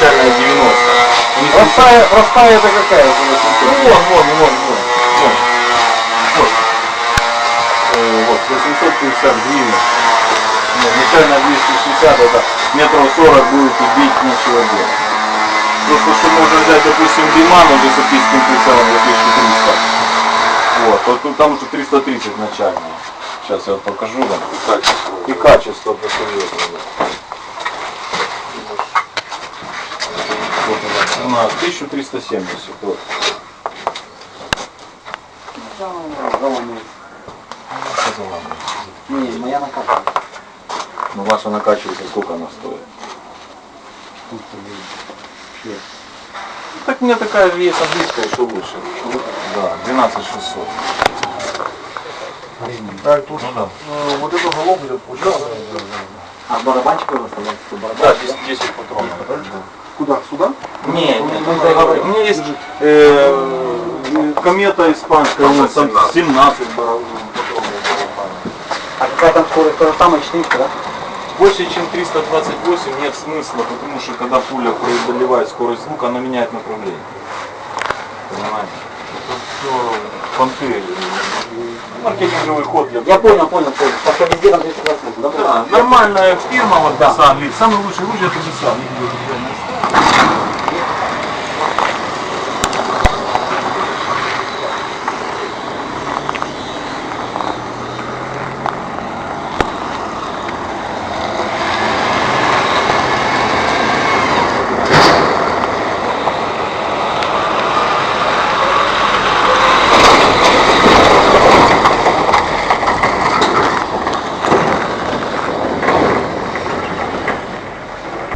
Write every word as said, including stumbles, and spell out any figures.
изначальная девяносто. Простая, простая это какая? Ну вон, вон, вон, вон. Вот. Вот. Э, вот, восемьсот пятьдесят гривен. Нет, начально двести шестьдесят, это метров сорок будет и бить нечего делать. Просто что можно взять, допустим, Диман уже с оптическим прицелом за тысячу триста. Вот, вот тут там уже триста тридцать начальная. Сейчас я вот покажу вам. Качество. И качество посерьезно. Вот она, тысяча триста семьдесят. Вот. Не, моя накапливается. Ну ваша накачивается, сколько она стоит? Так у меня такая же есть английская, что лучше. Да, двенадцать шестьсот. А тут Ну да. э, вот эту голову идет получается. А барабанчик у вас там? Да, десять, десять патронов. Куда? Сюда? Не, не, у меня есть э, комета испанская, у нас там семнадцать патронов. А какая там скорость? То же самое, четыреста, да? Больше чем триста двадцать восемь нет смысла, потому что когда пуля преодолевает скорость звука, она меняет направление. Понимаете? Это все понты. Маркетинговый ход для... Я понял, понял, понял. Потому что везде там триста двадцать восемь, да? Да, нормальная фирма, вот да. Самый лучший оружие это Бесан.